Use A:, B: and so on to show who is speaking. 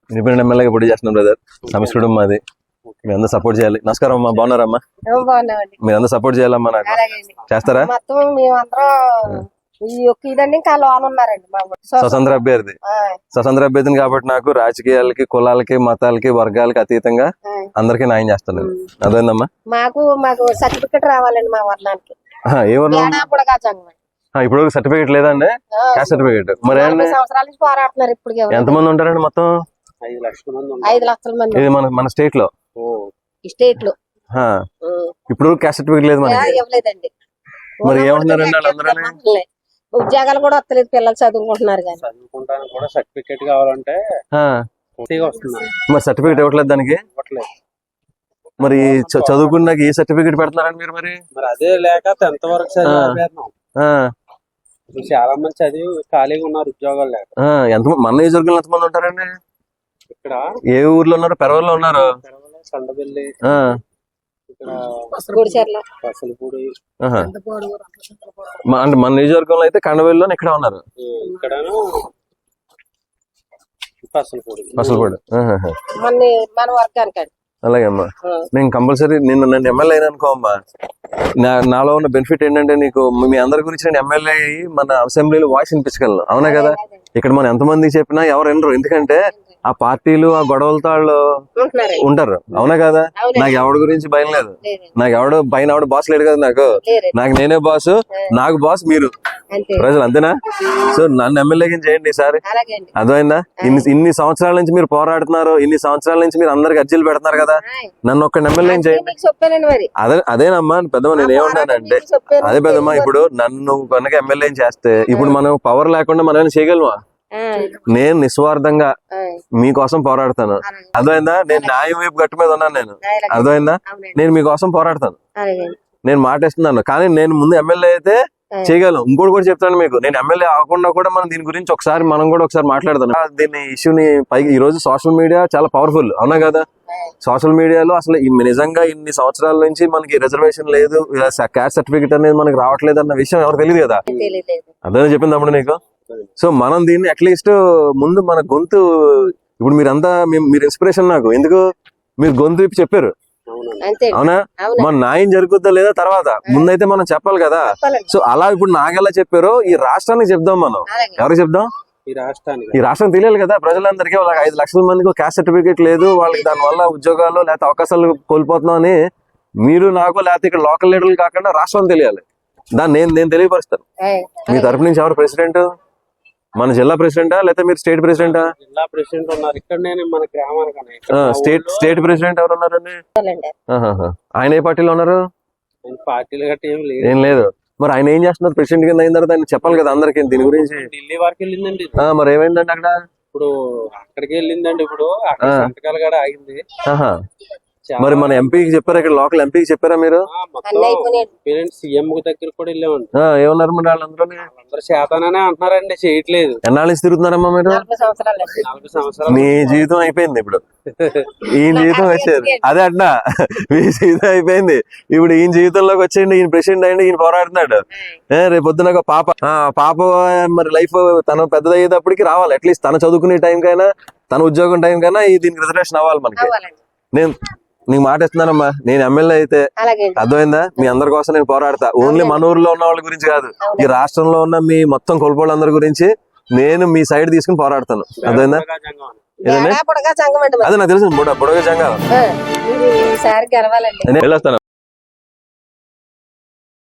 A: Independent ఎమ్మెల్యేగా పోటీ చేస్తున్నాం బ్రదర్. సంస్కృతం మాది. మీరు అందరూ సపోర్ట్ చేయాలి. నమస్కారం అమ్మా, బాగున్నారమ్మా? మీరు అందరూ సపోర్ట్ చేయాలమ్మా. నాకు చేస్తారా? స్వతంత్ర అభ్యర్థి, స్వతంత్ర అభ్యర్థిని కాబట్టి నాకు రాజకీయాలకి, కులాలకి, మతాలకి, వర్గాలకి అతీతంగా అందరికీ న్యాయం చేస్తాను. అదేందమ్మా?
B: మాకు సర్టిఫికెట్ రావాలండి మా వర్ణానికి.
A: ఏ వర్ణం? ఇప్పుడు సర్టిఫికేట్ లేదండి, క్యాస్ట్ సర్టిఫికేట్. మరి
B: సంవత్సరాల నుంచి పోరాడుతున్నారు. ఇప్పుడు
A: ఎంతమంది ఉంటారండి మొత్తం?
B: 5 లక్షల మంది.
A: ఇది మన స్టేట్ లో ఇప్పుడు క్యాస్ట్ సర్టిఫికేట్ లేదు
B: ఇవ్వలేదండి.
A: మరి ఏమంటున్నారండి వాళ్ళందరూ?
B: ఉద్యోగాలు కూడా వస్తలేదు, పిల్లలు చదువుకుంటున్నారు కానీ.
C: చదువుకుంటానికి కూడా సర్టిఫికేట్ కావాలంటే
A: మరి సర్టిఫికేట్ ఇవ్వట్లేదు దానికి. మరి చదువుకున్నాక ఏ సర్టిఫికేట్ పెడుతున్నారండి మీరు? మరి
C: అదే లేక 10th వరకు చదివాను. చాలా మంది చదివి ఖాళీగా ఉన్నారు, ఉద్యోగాలు లేక.
A: మన నియోజకవర్గంలో ఎంతమంది ఉంటారండి?
C: ఇక్కడ
A: ఏ ఊర్లో ఉన్నారు? పెరవల్లో ఉన్నారు,
C: సండబెల్లి,
A: అంటే మన నియోజకవర్గంలో అయితే కండవెల్లిలో ఇక్కడ ఉన్నారు.
C: ఇక్కడ
B: మన వర్గానికి.
A: అలాగే అమ్మా, నేను కంపల్సరీ నన్ను ఎమ్మెల్యే అయినా అనుకో అమ్మా, నాలో ఉన్న బెనిఫిట్ ఏంటంటే నీకు మీ అందరి గురించి నేను ఎమ్మెల్యే అయ్యి మన అసెంబ్లీలో వాయిస్ వినిపించగలను. అవునా కదా? ఇక్కడ మనం ఎంతమంది చెప్పినా ఎవరు వినరు, ఎందుకంటే ఆ పార్టీలు ఆ గొడవలతో వాళ్ళు ఉంటారు. అవునా కదా? నాకు ఎవడి గురించి భయం లేదు, నాకు పైన ఎవడు బాస్ లేడు కదా. నాకు నేనే బాస్, నాకు బాస్ మీరు ప్రజలు, అంతేనా? సో నన్ను ఎమ్మెల్యేగా చేయండి ఈసారి. అర్థమైందా? ఇన్ని సంవత్సరాల నుంచి మీరు పోరాడుతున్నారు, ఇన్ని సంవత్సరాల నుంచి మీరు అందరికి అర్జీలు పెడుతున్నారు కదా, నన్ను ఒక్క ఎమ్మెల్యే చేయండి. అదేనమ్మా పెద్దమ్మ, నేను ఏమన్నానంటే అదే పెద్దమ్మ, ఇప్పుడు నన్ను కనుక ఎమ్మెల్యే చేస్తే ఇప్పుడు మనం పవర్ లేకుండా మనం ఏమైనా చేయగలమా? నేను నిస్వార్థంగా మీకోసం పోరాడతాను. అర్థమైందా? నేను న్యాయం వైపు గట్టు మీద ఉన్నాను. నేను అర్థమైందా? నేను మీకోసం పోరాడతాను, నేను మాటిస్తున్నాను. కానీ నేను ముందు ఎమ్మెల్యే అయితే చేయగలను. ఇంకోటి కూడా చెప్తాను మీకు, నేను ఎమ్మెల్యే అవ్వకుండా కూడా మనం దీని గురించి మనం కూడా ఒకసారి మాట్లాడదాం. దీన్ని ఇష్యూని పైకి ఈ రోజు సోషల్ మీడియా చాలా పవర్ఫుల్. అవునా కదా? సోషల్ మీడియాలో అసలు నిజంగా ఇన్ని సంవత్సరాల నుంచి మనకి రిజర్వేషన్ లేదు, క్యాస్ట్ సర్టిఫికేట్ అనేది మనకి రావట్లేదు అన్న విషయం ఎవరు తెలియదు కదా. అదే చెప్పింది అప్పుడు నీకు. సో మనం దీన్ని అట్లీస్ట్ ముందు మన గొంతు, ఇప్పుడు మీరంతా మీరు ఇన్స్పిరేషన్ నాకు. ఎందుకు? మీరు గొంతు విప్పి చెప్పారు. అవునా? మన న్యాయం జరుగుద్దా లేదా తర్వాత, ముందైతే మనం చెప్పాలి కదా. సో అలా ఇప్పుడు నాకెలా చెప్పారో ఈ రాష్ట్రానికి చెప్దాం. మనం ఎవరికి చెప్దాం? ఈ రాష్ట్రం తెలియాలి కదా ప్రజలందరికీ. వాళ్ళకి 5 లక్షల మందికి క్యాస్ట్ సర్టిఫికేట్ లేదు, వాళ్ళకి దానివల్ల ఉద్యోగాలు లేకపోతే అవకాశాలు కోల్పోతున్నాం అని మీరు నాకు, లేకపోతే ఇక్కడ లోకల్ లీడర్లు కాకుండా రాష్ట్రం తెలియాలి. దాన్ని నేను తెలియపరుస్తాను. మీ తరపు నుంచి ఎవరు ప్రెసిడెంట్? మన జిల్లా ప్రెసిడెంటా లేకపోతే మీరు స్టేట్ ప్రెసిడెంటా?
C: జిల్లా ప్రెసిడెంట్ ఉన్నారు ఇక్కడ, మన గ్రామానికి.
A: స్టేట్ ప్రెసిడెంట్ ఎవరు ఉన్నారండి? ఆయన ఏ పార్టీలో ఉన్నారు?
C: పార్టీలు గట్టి
A: ఏం లేదు. మరి ఆయన ఏం చేస్తున్నారు? ప్రెసిడెంట్ కింద అయిన తర్వాత ఆయన చెప్పాలి కదా అందరికి దీని గురించి.
C: ఢిల్లీ వరకు వెళ్ళిందండి.
A: మరి ఏమైందండి అక్కడ?
C: ఇప్పుడు అక్కడికి వెళ్ళిందండి. ఇప్పుడు అక్కడ సంతకాలు కూడా ఆగింది.
A: మరి మన ఎంపీకి చెప్పారా? ఇక్కడ లోకల్ ఎంపీకి చెప్పారా మీరు?
C: సీఎం దగ్గర కూడా వెళ్ళామండి.
A: ఏమన్నారు మరి వాళ్ళందరూ?
C: శాతాననే అంటున్నారండి, చేయట్లేదు.
A: ఎన్నాళ్ళ నుంచి తిరుగుతున్నారమ్మా మీరు?
C: 4 సంవత్సరాలు.
A: మీ జీవితం అయిపోయింది ఇప్పుడు, ఈయన జీవితం వచ్చారు. అదే అంటున్నా, మీ జీవితం అయిపోయింది ఇప్పుడు. ఈయన జీవితంలోకి వచ్చేయండి, ఈయన ప్రెసిడెంట్ అయ్యండి, ఈయన పోరాడుతున్నాడు. రేపు పొద్దున ఒక పాప మరి లైఫ్ తను పెద్దదయ్యేటప్పటికి రావాలి. అట్లీస్ట్ తను చదువుకునే టైం కైనా, తన ఉద్యోగం టైం కైనా దీనికి రిజర్వేషన్ అవ్వాలి మనకి. నేను నీకు మాట ఇస్తున్నానమ్మా, నేను ఎమ్మెల్యే అయితే అర్థమైందా, మీ అందరి కోసం నేను పోరాడతా. ఓన్లీ మన ఊర్లో ఉన్న వాళ్ళ గురించి కాదు, ఈ రాష్ట్రంలో ఉన్న మీ మొత్తం కోల్పోళ్ళందరి గురించి నేను మీ సైడ్ తీసుకుని పోరాడతాను. అర్థమైందా? అదే నాకు తెలుసు, బుడగ జంగా. నేను వెళ్ళొస్తాను.